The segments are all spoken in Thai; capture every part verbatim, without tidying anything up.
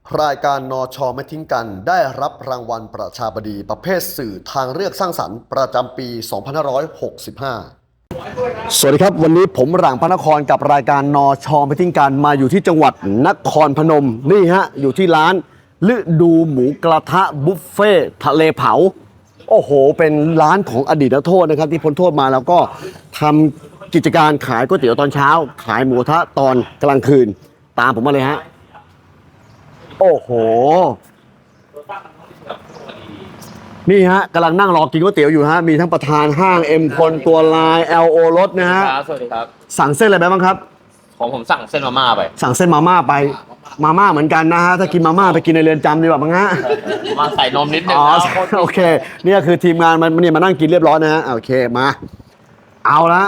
รายการนชไม่ทิ้งกันได้รับรางวัลประชาบดีประเภทสื่อทางเลือกสร้างสรรค์ประจำปี สองพันห้าร้อยหกสิบห้า สวัสดีครับวันนี้ผมหลังพระนครกับรายการนชไม่ทิ้งกันมาอยู่ที่จังหวัดนครพนมนี่ฮะอยู่ที่ร้านฤดูหมูกระทะบุฟเฟ่ทะเลเผาโอ้โหเป็นร้านของอดีตนักโทษนะครับที่พ้นโทษมาแล้วก็ทำกิจการขายก๋วยเตี๋ยวตอนเช้าขายหมูกระทะตอนกลางคืนตามผมมาเลยฮะโอ้โหนี่ฮะกำลังนั่งรอกินก๋วยเตี๋ยวอยู่ฮะมีทั้งประธานห้างเอ็มคนตัวลาย แอล โอ รถนะฮะครับสวัสดีครับสั่งเส้นอะไรไปบ้างครับของผมสั่งเส้นมาม่าไปสั่งเส้นมาม่าไปมาม่าเหมือนกันนะฮะถ้ากินมาม่าไปกินในเรือนจำดีกว่ามั้งฮะมาใส่นมนิดนึงอ๋อโอเคนี่คือทีมงานมันเนี่ยมานั่งกินเรียบร้อยนะฮะโอเคมาเอาละ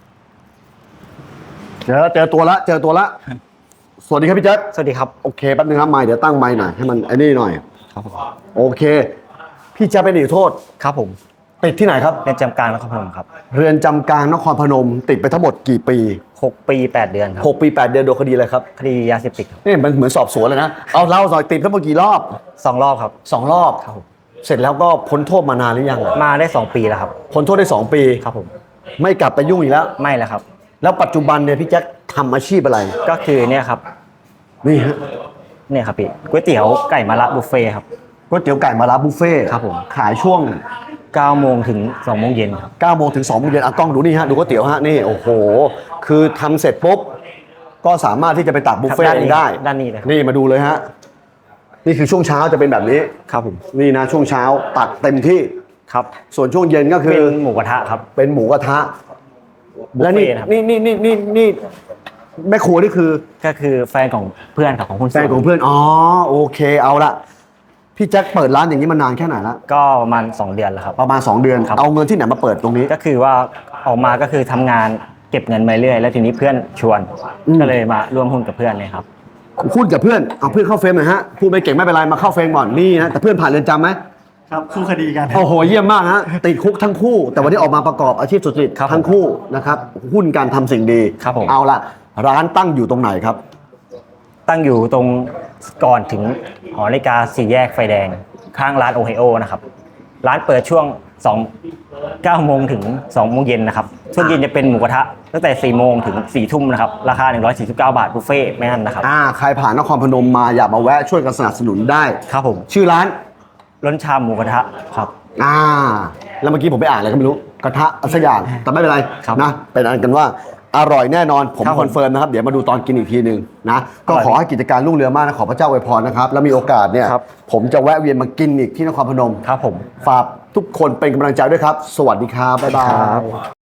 เจอเจอตัวละเจอตัวละสวัสดีครับพี่แจ๊คสวัสดีครับโอเคแป๊บนึงครับไมค์เดี๋ยวตั้งไมค์หน่อยให้มันไอ้นี่หน่อยครับผมโอเคพี่แจ๊คเป็นอดีตโทษครับผมติดที่ไหนครับเรือนจำกลางนครพนมครับเรือนจำกลางนครพนมติดไปทั้งหมดกี่ปีหกปีแปดเดือนครับหกปีแปดเดือนโดนคดีอะไรครับคดียาเสพติดครับนี่มันเหมือนสอบสวนเลยนะเอาเล่าหน่อยติดทั้งหมดกี่รอบสองรอบครับสองรอบครับผมเสร็จแล้วก็พ้นโทษมานานหรือยังมาได้สองปีแล้วครับพ้นโทษได้สองปีครับผมไม่กลับไปยุ่งอีกแล้วไม่แล้วครับแล้วปัจจุบันเนี่ยพี่แจ็คทำอาชีพอะไรก็คือเนี่ยครับนี่ฮะเนี่ยครับพี่ก๋วยเตี๋ยวไก่มะระบุฟเฟ่ครับก๋วยเตี๋ยวไก่มะระบุฟเฟ่ครับผมขายช่วงเก้าโมงถึงสองโมงเย็นครับเก้าโมงถึงสองโมงเย็นอ่ะกล้องดูนี่ฮะดูก๋วยเตี๋ยวฮะนี่โอ้โหคือทำเสร็จปุ๊บก็สามารถที่จะไปตักบุฟเฟ่ต์ได้ด้านนี้เลยนี่มาดูเลยฮะนี่คือช่วงเช้าจะเป็นแบบนี้ครับผมนี่นะช่วงเช้าตักเต็มที่ครับส่วนช่วงเย็นก็คือเป็นหมูกระทะครับเป็นหมูกระทะและนี่นี่นี่นี่นี่นี่แม่ครัวนี่คือก็คือแฟนของเพื่อนครับของคุณแฟนของเพื่อนอ๋อโอเคเอาละพี่แจ็คเปิดร้านอย่างนี้มานานแค่ไหนแล้วก็ประมาณสองเดือนแล้วครับประมาณสองเดือนเอาเงินที่ไหนมาเปิดตรงนี้ก็คือว่าออกมาก็คือทำงานเก็บเงินมาเรื่อยแล้วทีนี้เพื่อนชวนก็เลยมาร่วมหุ้นกับเพื่อนเลยครับหุ้นกับเพื่อนเอาเพื่อนเข้าเฟรมหน่อยฮะพูดไม่เก่งไม่เป็นไรมาเข้าเฟรมก่อนนี่นะแต่เพื่อนผ่านเรือนจำไหมครับคู่คดีกันโอ้โหเยี่ยมมากฮะติดคุกทั้งคู่แต่วันนี้ออกมาประกอบอาชีพสุจริตทั้งคู่นะครับหุ้นการทำสิ่งดีครับผมเอาละร้านตั้งอยู่ตรงไหนครับตั้งอยู่ตรงก่อนถึงหอนาฬิกาสี่แยกไฟแดงข้างร้านโอไฮโอนะครับร้านเปิดช่วงสอง เก้าโมงถึงสองโมงเย็นนะครับช่วงเย็นจะเป็นหมูกระทะตั้งแต่สี่โมงถึงสี่ทุ่มนะครับราคาหนึ่งร้อยสี่สิบเก้าบาทบุฟเฟ่ต์ไม่อั้นนะครับอ่าใครผ่านนครพนมมาอยากมาแวะช่วยกันสนับสนุนได้ครับผมชื่อร้านล้นชามหมูกระทะครับอ่าแล้วเมื่อกี้ผมไปอ่านอะไรก็ไม่รู้กระทะสักอย่างแต่ไม่เป็นไรนะเป็นอันกันว่าอร่อยแน่นอนผมคอนเฟิร์มนะครับเดี๋ยวมาดูตอนกินอีกทีหนึ่งนะก็ขอให้กิจการรุ่งเรืองมากนะขอพระเจ้าอวยพรนะครับแล้วมีโอกาสเนี่ยผมจะแวะเวียนมากินอีกที่นครพนมครับผมฝากทุกคนเป็นกำลังใจด้วยครับสวัสดีครับบ๊ายบาย